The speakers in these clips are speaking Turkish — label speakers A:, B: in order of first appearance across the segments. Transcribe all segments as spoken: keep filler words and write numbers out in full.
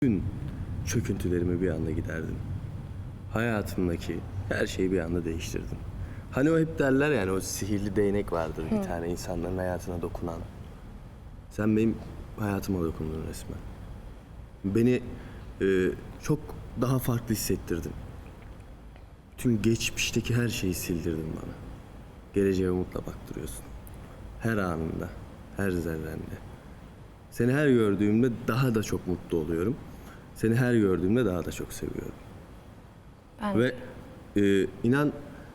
A: Bütün çöküntülerimi bir anda giderdim. Hayatımdaki her şeyi bir anda değiştirdim. Hani o hep derler yani, o sihirli değnek vardır bir tane insanların hayatına dokunan. Sen benim hayatıma dokundun resmen. Beni e, çok daha farklı hissettirdin. Tüm geçmişteki her şeyi sildirdin bana. Geleceğe umutla baktırıyorsun. Her anında, her zerrende. Seni her gördüğümde daha da çok mutlu oluyorum. Seni her gördüğümde daha da çok seviyorum.
B: Ben
A: Ve e, inan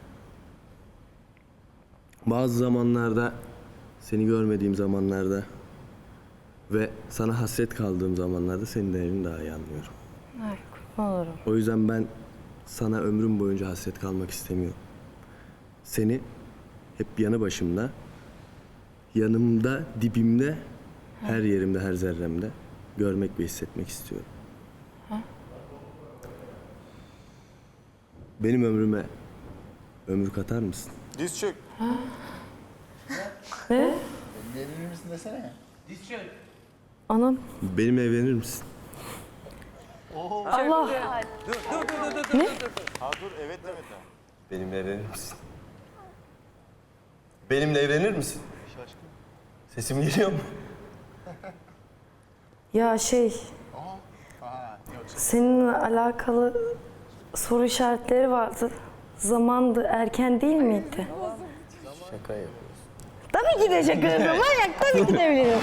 A: bazı zamanlarda, seni görmediğim zamanlarda ve sana hasret kaldığım zamanlarda senin değerini daha iyi anlıyorum.
B: Ay, kurban olurum.
A: O yüzden ben sana ömrüm boyunca hasret kalmak istemiyorum. Seni hep yanı başımda, yanımda, dibimde, her yerimde, her zerremde görmek ve hissetmek istiyorum. Benim ömrüme ömür katar mısın?
C: Diz çök.
B: Ne?
C: Evlenir misin desene.
B: Anam.
A: Benimle evlenir misin?
B: Allah.
C: Ha dur evet evet.
A: Benimle evlenir misin? Benimle evlenir misin? Sesim geliyor mu?
B: Ya şey, seninle alakalı soru işaretleri vardı. Zamandı, erken değil miydi?
A: Şaka yapıyorsun.
B: Tabii ki de şaka yapıyorum. Manyak, tabii ki de evleniyorum.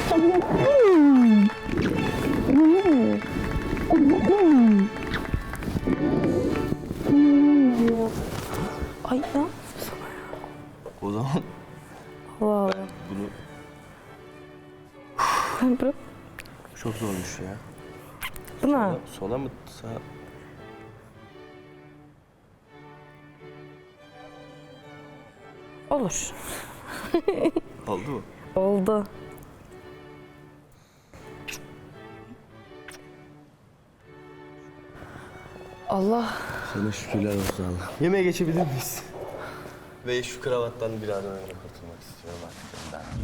B: Ay ne yapıyorsun?
A: O zaman
B: Allah Allah.
A: bunu
B: Bu,
A: çok zormuş ya.
B: bu ne?
A: Sola mı sağa?
B: Olur.
A: Oldu mu?
B: Oldu. Allah.
A: Sana şükürler olsun Allah. Yemeğe geçebilir miyiz? Ve şu kravattan bir an önce kurtulmak istiyorum artık. Ben.